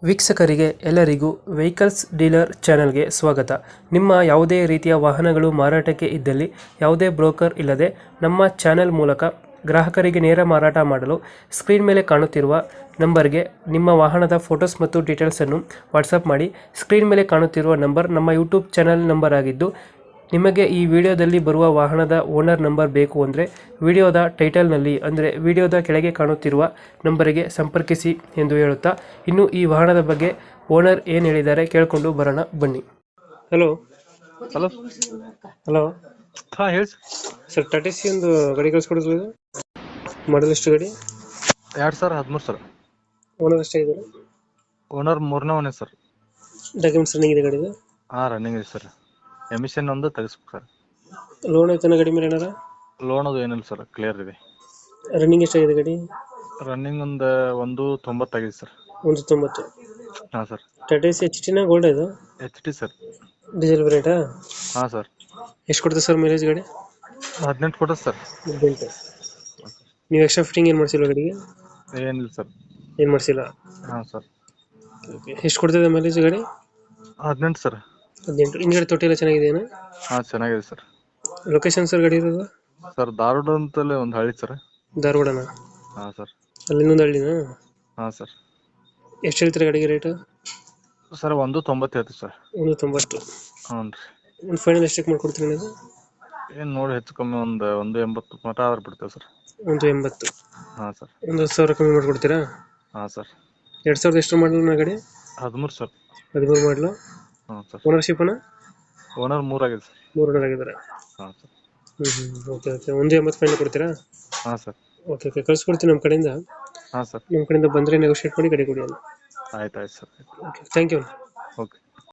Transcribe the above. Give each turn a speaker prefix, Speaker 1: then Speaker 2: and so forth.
Speaker 1: ವೀಕ್ಷಕರಿಗೆ ಎಲ್ಲರಿಗೂ vehicles dealer ಚಾನೆಲ್ಗೆ ಸ್ವಾಗತ. ನಿಮ್ಮ ಯಾವುದೇ ರೀತಿಯ ವಾಹನಗಳು ಮಾರಾಟಕ್ಕೆ ಇದ್ದಲ್ಲಿ ಯಾವುದೇ ಬ್ರೋಕರ್ ಇಲ್ಲದೆ ನಮ್ಮ ಚಾನೆಲ್ ಮೂಲಕ ಗ್ರಾಹಕರಿಗೆ ನೇರ ಮಾರಾಟ ಮಾಡಲು ಸ್ಕ್ರೀನ್ ಮೇಲೆ ಕಾಣುತ್ತಿರುವ ನಂಬರ್ಗೆ ನಿಮ್ಮ ವಾಹನದ ಫೋಟೋಸ್ ಮತ್ತು ಡೀಟೇಲ್ಸನ್ನು ವಾಟ್ಸಪ್ ಮಾಡಿ. ಸ್ಕ್ರೀನ್ ಮೇಲೆ ಕಾಣುತ್ತಿರುವ ನಂಬರ್ ನಮ್ಮ ಯೂಟ್ಯೂಬ್ ಚಾನೆಲ್ ನಂಬರ್ ಆಗಿದ್ದು, ನಿಮಗೆ ಈ ವಿಡಿಯೋದಲ್ಲಿ ಬರುವ ವಾಹನದ ಓನರ್ ನಂಬರ್ ಬೇಕು ಅಂದರೆ ವಿಡಿಯೋದ ಟೈಟಲ್ನಲ್ಲಿ ಅಂದರೆ ವಿಡಿಯೋದ ಕೆಳಗೆ ಕಾಣುತ್ತಿರುವ ನಂಬರಿಗೆ ಸಂಪರ್ಕಿಸಿ ಎಂದು ಹೇಳುತ್ತಾ, ಇನ್ನು ಈ ವಾಹನದ ಬಗ್ಗೆ ಓನರ್ ಏನು ಹೇಳಿದ್ದಾರೆ ಕೇಳಿಕೊಂಡು ಬರೋಣ ಬನ್ನಿ. Hello
Speaker 2: hello.
Speaker 1: ಹಲೋ
Speaker 2: ಹಾ ಹೇಳಿ
Speaker 1: ಸರ್, ಟಾಟಾ ಸಿ ಒಂದು ಗಾಡಿ ಕಳಿಸ್ಕೊಡಿದ್ರು, ಮಾಡಲ್ ಎಷ್ಟು ಗಾಡಿ?
Speaker 2: 2013 ಸರ್.
Speaker 1: ಓನರ್ ಎಷ್ಟಾಗಿದ್ದಾರೆ?
Speaker 2: ಓನರ್ ಮೂರನೇ ಓನೇ ಸರ್.
Speaker 1: ಡಾಕ್ಯುಮೆಂಟ್ಸ್ ರನ್ನಿಂಗ್ ಇದೆ ಗಾಡಿದು?
Speaker 2: ಹಾ ರನ್ನಿಂಗ್ ಇದೆ ಸರ್. ಎಮಿಷನ್ ಒಂದು ತೆಗಿಸ್ಬೇಕು ಸರ್.
Speaker 1: ಲೋನ್ ಐತನ ಗಾಡಿ ಮೇಲೆ ಏನಾರ?
Speaker 2: ಲೋನ್ ಅದು ಏನಿಲ್ಲ ಸರ್, ಕ್ಲಿಯರ್ ಇದೆ.
Speaker 1: ರನ್ನಿಂಗ್ ಎಷ್ಟಾಗಿದೆ ಗಾಡಿ?
Speaker 2: ರನ್ನಿಂಗ್ ಒಂದು 90 ಆಗಿದೆ ಸರ್.
Speaker 1: 190.
Speaker 2: ಹಾ ಸರ್.
Speaker 1: ಟಾಟಾ ಸಿ ಎಚ್ ಟಿನ ಗೋಲ್ಡ್ ಇದು?
Speaker 2: HD sir.
Speaker 1: ಡೀಸೆಲ್ ವೇರಿಯಂಟಾ?
Speaker 2: ಹಾ ಸರ್.
Speaker 1: ಎಷ್ಟು ಕೊಡ್ತದೆ ಸರ್ ಮೈಲೇಜ್ ಗಾಡಿ?
Speaker 2: 18 ಕೊಟ್ಟದ ಸರ್.
Speaker 1: 18. ನೀವು ಎಕ್ಸ್ಟ್ರಾ ಫಿಟ್ಟಿಂಗ್ ಏನು ಮಾಡಿಸಿಲ್ಲ ಗಾಡಿಗೆ?
Speaker 2: ಏನಿಲ್ಲ ಸರ್.
Speaker 1: ಏನು ಮಾಡಿಸಿಲ್ಲ?
Speaker 2: ಹಾ ಸರ್.
Speaker 1: ಎಷ್ಟು ಕೊಡ್ತದೆ ಮೈಲೇಜ್ ಗಾಡಿ?
Speaker 2: 18 ಸರ್.
Speaker 1: 18. ಹಿಂದ್ಗಡೆ ತೊಟ್ಟಿ ಎಲ್ಲ ಚೆನ್ನಾಗಿದೆಯಾ?
Speaker 2: ಹಾ ಚೆನ್ನಾಗಿದೆ ಸರ್.
Speaker 1: ಲೊಕೇಶನ್ ಸರ್ ಗಾಡಿ ಇರೋದು?
Speaker 2: ಸರ್ ಧಾರವಾಡ ಅಂತಲೇ ಒಂದು ಹಳ್ಳಿ ಸರ್.
Speaker 1: ಧಾರವಾಡನ?
Speaker 2: ಹಾ ಸರ್.
Speaker 1: ಅಲ್ಲಿ ಇನ್ನೊಂದು ಹಳ್ಳಿನಾ?
Speaker 2: ಹಾ ಸರ್.
Speaker 1: ಎಷ್ಟು ಹೇಳ್ತೀರಾ ಗಾಡಿಗೆ ರೇಟು?
Speaker 2: ಸರ್ 190 ಹೇಳ್ತೀವಿ ಸರ್.
Speaker 1: 190.
Speaker 2: ಹ್ಞೂ ರೀ.
Speaker 1: ಒಂದು ಫೈನಲ್ ಎಷ್ಟಕ್ಕೆ ಮಾಡ್ಕೊಡ್ತೀರಿ ನೀವು?
Speaker 2: ಏನು ನೋಡಿ ಹೆಚ್ಚು ಕಮ್ಮಿ ಒಂದು 80 ಮಟ ಆದ್ರೆ ಬಿಡ್ತೇವೆ ಸರ್.
Speaker 1: 180.
Speaker 2: ಹಾ ಸರ್.
Speaker 1: ಒಂದು 10,000 ಕಮ್ಮಿ ಮಾಡ್ಕೊಡ್ತೀರಾ?
Speaker 2: ಹಾ ಸರ್.
Speaker 1: 2000 ಎಷ್ಟು ಮಾಡಲು ಗಾಡಿ?
Speaker 2: 13 ಸರ್.
Speaker 1: 13 ಮಾಡಲು.
Speaker 2: ಹಾ ಸರ್.
Speaker 1: ಓನರ್ಶಿಪ್ ಅಣ್ಣ?
Speaker 2: ಓನರ್ 3 ಆಗಿದೆ ಸರ್.
Speaker 1: 3 ಓನರ್ ಆಗಿದ್ದಾರೆ.
Speaker 2: ಹಾ ಸರ್.
Speaker 1: Okay okay. 180 ಫೈನಲ್ ಕೊಡ್ತೀರಾ?
Speaker 2: ಹಾ ಸರ್.
Speaker 1: ಓಕೆ ಓಕೆ, ಕಳ್ಸ್ಕೊಡ್ತೀನಿ ನಮ್ಮ ಕಡೆಯಿಂದ.
Speaker 2: ಹಾ ಸರ್.
Speaker 1: ನಮ್ಮ ಕಡೆಯಿಂದ ಬಂದರೆ ನೆಗೋಷಿಯೇಟ್ ಮಾಡಿ ಗಾಡಿ ಕೊಡಿ ಅಲ್ಲ.
Speaker 2: ಆಯ್ತು sir.
Speaker 1: Okay, thank you.
Speaker 2: Okay.